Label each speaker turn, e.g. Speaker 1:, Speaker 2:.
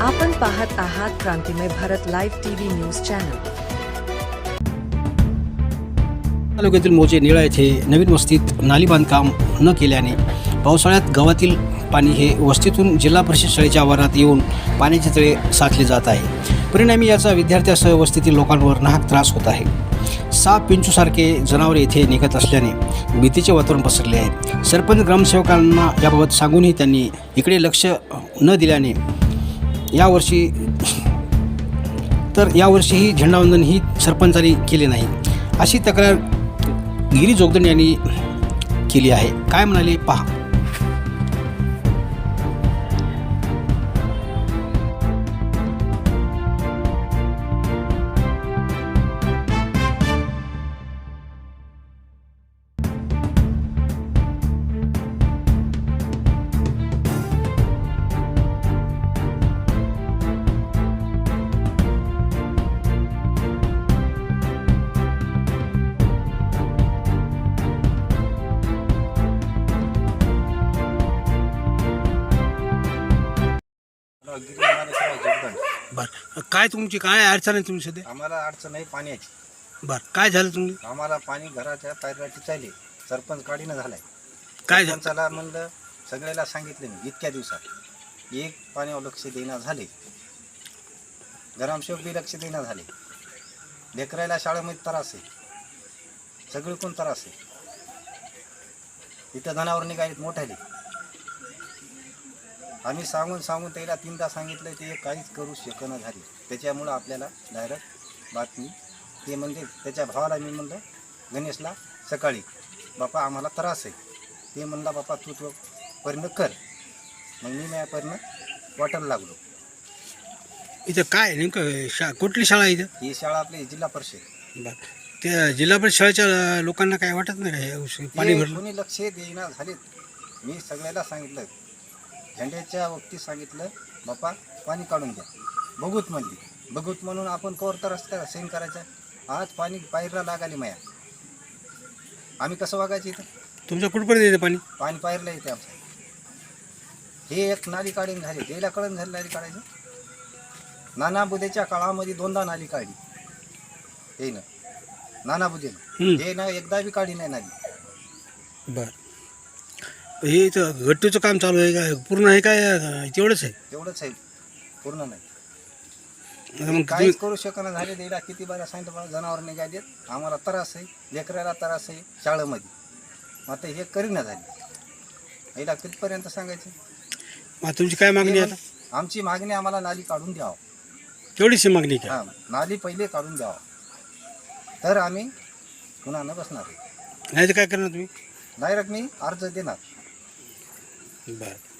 Speaker 1: आपण पाहत आहात Krantimay Bharat live TV news channel.
Speaker 2: तालुक्यातील मोजे निळा येथे नवीन वस्तीत नाली बांधकाम न केल्याने पावसाळ्यात गावातील पाणी हे वस्तीतून जिल्हा परिषद शाळेच्या आवारात येऊन पाण्याचे तळे साचले जात आहे। परिणामी याचा विद्यार्थ्यांसह वस्तीतील लोकांवर नाहक त्रास होत आहे। साप पिंचूसारखे जनावरे येथे निघत असल्याने भीतीचे वातावरण पसरले आहे। सरपंच ग्रामसेवकांना याबाबत सांगूनही त्यांनी इकडे लक्ष न दिल्याने यावर्षीही झेंडावंदन ही सरपंचांनी केले नाही, अशी तक्रार गिरी जोगदंड यांनी केली आहे। काय म्हणाले पहा। बरं, काय तुमची काय अडचण आहे तुम्ही सध्या?
Speaker 3: आम्हाला अडचण आहे पाण्याची।
Speaker 2: बरं, काय झालं तुम्ही?
Speaker 3: आम्हाला पाणी घराच्या पायऱ्याची चालले, सरपंच काढीनं झालाय।
Speaker 2: काय झालं?
Speaker 3: सरपंचाला म्हणलं, सगळ्याला सांगितलं मी इतक्या दिवसात, एक पाण्यावर लक्ष देणार झाले, ग्रामसेवक बी लक्ष देणार झाले, लेकरायला शाळेमध्ये त्रास आहे, सगळे कोण त्रास आहे, इथं जनावर निघालीत मोठ्याले। आम्ही सांगून त्याला 3दा सांगितलं, ते काहीच करू शकना झाले। त्याच्यामुळं आपल्याला डायरेक्ट बातमी ते म्हणजे त्याच्या भावाला मी म्हणलं, गणेशला सकाळी, बापा आम्हाला त्रास आहे। ते म्हणला, बापा तू परिणय कर। मग मी माझ्या परिणय वाटायला लागलो।
Speaker 2: इथं काय नेमकं कुठली शाळा आहे इथं?
Speaker 3: ही शाळा आपली जिल्हा परिषद।
Speaker 2: बरं, त्या जिल्हा परिषद शाळेच्या लोकांना काय वाटत नाही का पाणी भरलं?
Speaker 3: कोणी लक्ष देईना झालेत। मी सगळ्याला सांगितलं, झेंड्याच्या वक्ती सांगितलं, बापा पाणी काढून द्या, बघूत म्हणली। बघूत म्हणून आपण कवर तर रस्त्याला सेन करायचा। आज पाणी पायरला लागाली माया, आम्ही कसं वागायचं इथं?
Speaker 2: तुमच्या कुठपर्यंत येतं पाणी?
Speaker 3: पाणी पायरला येते आमचं। हे एक नाली काढून झाली, द्यायला कळून झाली नाली काढायचं। नाना बुद्धेच्या काळामध्ये 2दा नाली काढली, हे ना नाना बुद्धेनं, हे ना एकदा बी काढली नाही नाली।
Speaker 2: बरं, हे इथं गट्टूचं काम चालू आहे का? पूर्ण आहे काय तेवढंच आहे?
Speaker 3: तेवढंच आहे, पूर्ण नाही।
Speaker 2: मग
Speaker 3: काहीच करू शकना झाले। द्यायला किती बारा सांगितलं, जनावर निघालेत, आम्हाला त्रास आहे, लेकराला त्रास आहे शाळेमध्ये। आता हे करीना झाली, याला कितपर्यंत सांगायचं?
Speaker 2: मग तुमची काय मागणी आहे आता?
Speaker 3: आमची मागणी, आम्हाला नाली काढून द्यावं,
Speaker 2: तेवढीच मागणी काय?
Speaker 3: हां, नाली पहिले काढून द्यावं, तर आम्ही पुन्हा न बसणार।
Speaker 2: नाही तर काय करणार तुम्ही?
Speaker 3: डायरेक्ट मी अर्ज देणार।
Speaker 2: बरं।